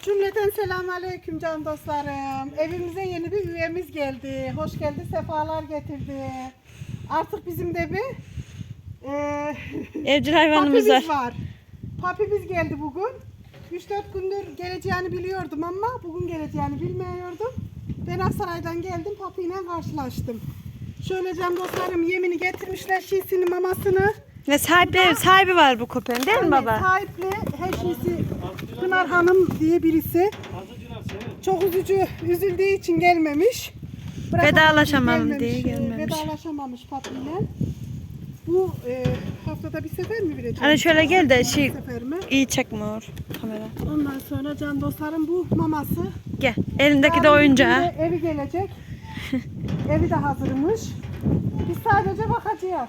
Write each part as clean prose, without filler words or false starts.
Cümleten selamünaleyküm can dostlarım. Evimize yeni bir üyemiz geldi. Hoş geldi, sefalar getirdi. Artık bizim de bir evcil hayvanımız papimiz var. var. Papimiz geldi bugün. 3-4 gündür geleceğini biliyordum ama bugün geleceğini bilmiyordum. Ben Aksaray'dan geldim, papiyle karşılaştım. Şöyle can dostlarım yemini getirmişler, şişini, mamasını. Ve sahibi var bu köpeğin değil mi baba? Sahipli her şeysi Pınar Hanım diye birisi. Çok üzüldüğü için gelmemiş. Vedalaşamam diye gelmemiş. Vedalaşamamış papiyle. Bu haftada bir sefer mi vereceğim? Hani şöyle gel de Sefer mi? iyi çekmiyor kamera. Ondan sonra can dostlarım bu maması. Gel. Elindeki de Yarın oyuncağı. bir günde evi gelecek. Evi de hazırmış. Biz sadece bakacağız.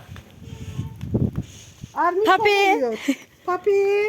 Armin Papi. oluyor. Papi.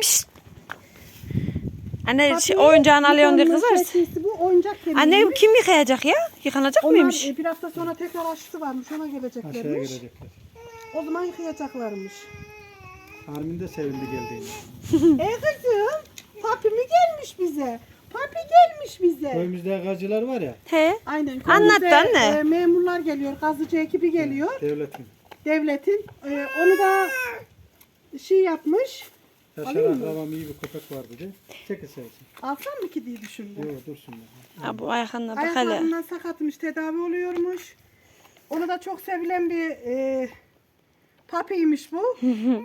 Anne Papi, oyuncağını alıyorsun diye yıkanma kızarsın. şeklisi bu oyuncak kemiği. Anne kim yıkayacak ya? Yıkanacak Onlar mıymış? bir hafta sonra tekrar aşısı varmış, ona Aşağıya geleceklermiş. gelecekler. O zaman yıkayacaklarmış. Armin de sevindi geldiğinde. Kızım, papi mi gelmiş bize? Papi gelmiş bize. Köyümüzde gazcılar var ya, He. Aynen. Anlat köyümüze, anne. memurlar geliyor, gazıcı ekibi geliyor. devletin. Onu da yapmış. Yaşar Alayım mı? akrabam iyi bir köpek var dedi. Çekil sevsin. Alsam mı ki diye düşündüm. Yok dursun. Ha, bu ayaklarına bak hele. Ayaklarından sakatmış, tedavi oluyormuş. Onu da çok sevilen bir papiymiş bu.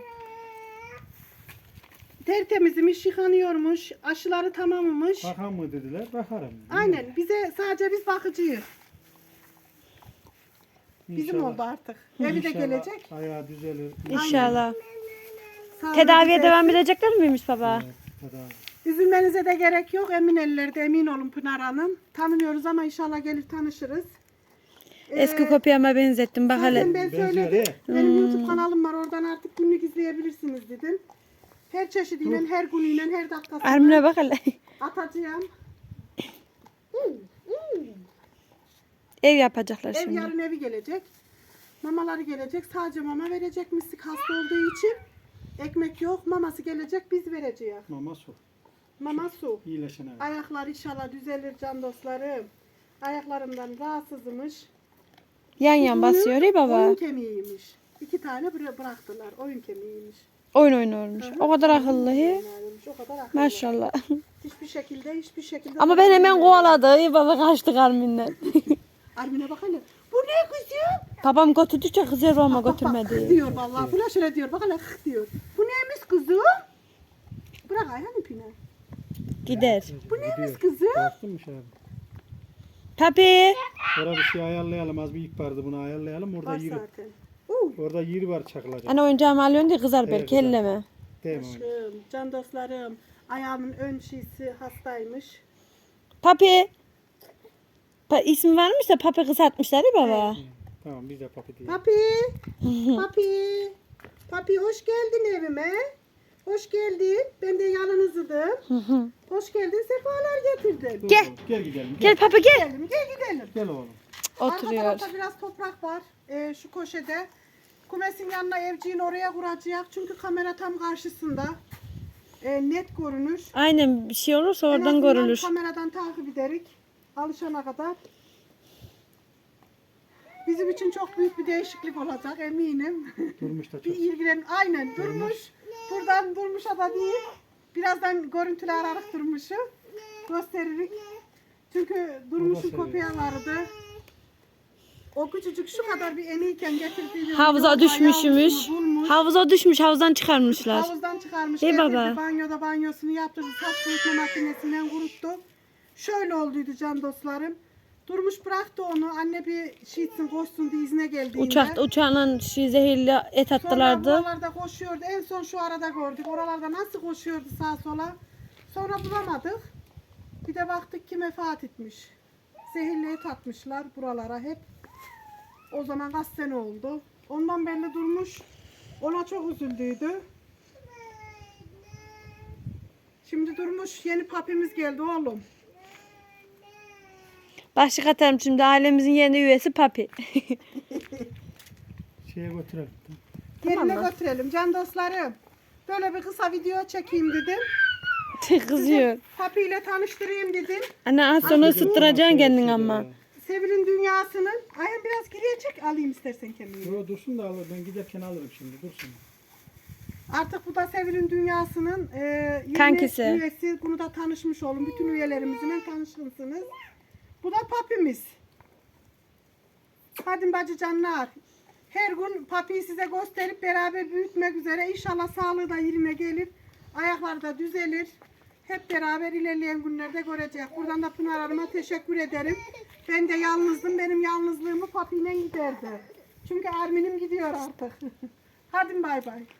Tertemizmiş, yıkanıyormuş, aşıları tamammış. Bakan mı dediler, bakarım. Aynen, bize biz bakıcıyız. Bizim İnşallah. oldu artık. Evi de İnşallah gelecek. ayağı düzelir. İnşallah. Sağlığı Tedaviye düzelsin. devam edecekler miymiş baba? Evet, tedavi. Üzülmenize de gerek yok. Emin ellerde, emin olun Pınar Hanım. Tanımıyoruz ama inşallah gelir tanışırız. Eski köpeğime benzettim bak hele. Zaten ben Benziyor söyledim. ya. Benim YouTube kanalım var. Oradan artık günlük izleyebilirsiniz dedim. Her çeşidiyle, her günüyle, her dakikasıyla Armine bak hele. atacağım. Ev yapacaklar Ev şimdi. yarın evi gelecek. Mamaları gelecek. Sadece mama verecek mislik hasta olduğu için. Ekmek yok. Maması gelecek. Biz vereceğiz. Mama su. Mama su. İyileşen evet. Ayaklar inşallah düzelir can dostlarım. Ayaklarımdan rahatsızmış. Yan yan basıyor ya baba. Oyun kemiğiymiş. 2 tane bıraktılar. Oyun kemiğiymiş. Oyun oynuyormuş. O kadar akıllı he. Oynarmış, o kadar akıllı. Maşallah. Hiçbir şekilde. Ama ben hemen kovaladı. İyi baba kaçtık Armin'den. Armin'e bak hele. Bu ne kızım? Babam götürdükçe kızıyor ama Bak, götürmedi. diyor vallahi. Bu ne şöyle diyor. Bak hele diyor. Bu neymiş kızım? Bırak ayağını Pine. Gider. Bu neymiş kızım? Baktın mı şahane? Papi. Orada bir şey ayarlayalım. Az bir ip vardı, bunu ayarlayalım. Orada Var yeri. zaten. Orada yeri var çakılacak. Anne oyuncağımı alıyorsun diye kızar Evet, belki kızar. elleme. Değil mi? öyle? Aşkım, can dostlarım. Ayağımın ön şişi hastaymış. Papi. İsmi varmış da Papi kısaltmışlar ya baba. Tamam biz de papi diyelim. Papi. Papi. Papi hoş geldin evime. Hoş geldin. Ben de yalnızdım. Hoş geldin. Sefalar getirdim. Gel. Gel gidelim. Gel Papi gel. Gel gidelim. Gel oğlum. Arka Oturuyor. tarafta biraz toprak var. Şu köşede. Kumesin yanına evciğin oraya kuracak. Çünkü kamera tam karşısında. Net görünür. Aynen bir şey olursa En oradan azından görülür. kameradan takip ederek alışana kadar. Bizim için çok büyük bir değişiklik olacak eminim. Durmuş da Bir çok. ilgilen aynen durmuş. Buradan durmuşa da değil. Birazdan görüntüler ararak durmuşu gösteririk. Çünkü durmuşun seviyor. köpeği vardı. O küçücük şu kadar bir eniyken getirdiği Havuza düşmüşmüş. Havuza düşmüş, havuzdan çıkarmışlar. Havuzdan çıkarmış. Hey Getirdi, baba. banyoda banyosunu yaptırdı. Saç kurutma makinesinden kuruttu. Şöyle olduydu can dostlarım. Durmuş bıraktı onu. Anne bir şey etsin koşsun diye izne geldiğinde. Uçağla zehirli et Sonra attılardı. buralarda koşuyordu. En son şu arada gördük. Oralarda nasıl koşuyordu sağa sola. Sonra bulamadık. Bir de baktık ki vefat etmiş. Zehirli et atmışlar buralara hep. O zaman kaç sene oldu. Ondan belli durmuş. Ona çok üzüldüydü. Şimdi durmuş yeni papimiz geldi oğlum. Başlık atarım şimdi ailemizin yeni üyesi Papi. Şeye götürelim. Yerine götürelim can dostlarım. Böyle bir kısa video çekeyim dedim. Kızıyor. Papi ile tanıştırayım dedim. Anne az sonra ısıttıracaksın kendin ama. Sevil'in dünyasının. Ayhan biraz geriye çek, alayım istersen kendini. Yo, dursun da alır. Ben giderken alırım şimdi. Dursun. Artık bu da Sevil'in dünyasının yeni Kankisi. üyesi. Bunu da tanışmış olun. Bütün üyelerimizle tanışırsınız. Bu da papimiz. Hadi bacıcanlar. Her gün papiyi size gösterip beraber büyütmek üzere. İnşallah sağlığı da yerine gelir. Ayakları da düzelir. Hep beraber ilerleyen günlerde göreceğiz. Buradan da Pınar Hanım'a teşekkür ederim. Ben de yalnızdım. Benim yalnızlığımı papiyle giderdi. Çünkü Armin'im gidiyor artık. Hadi bay bay.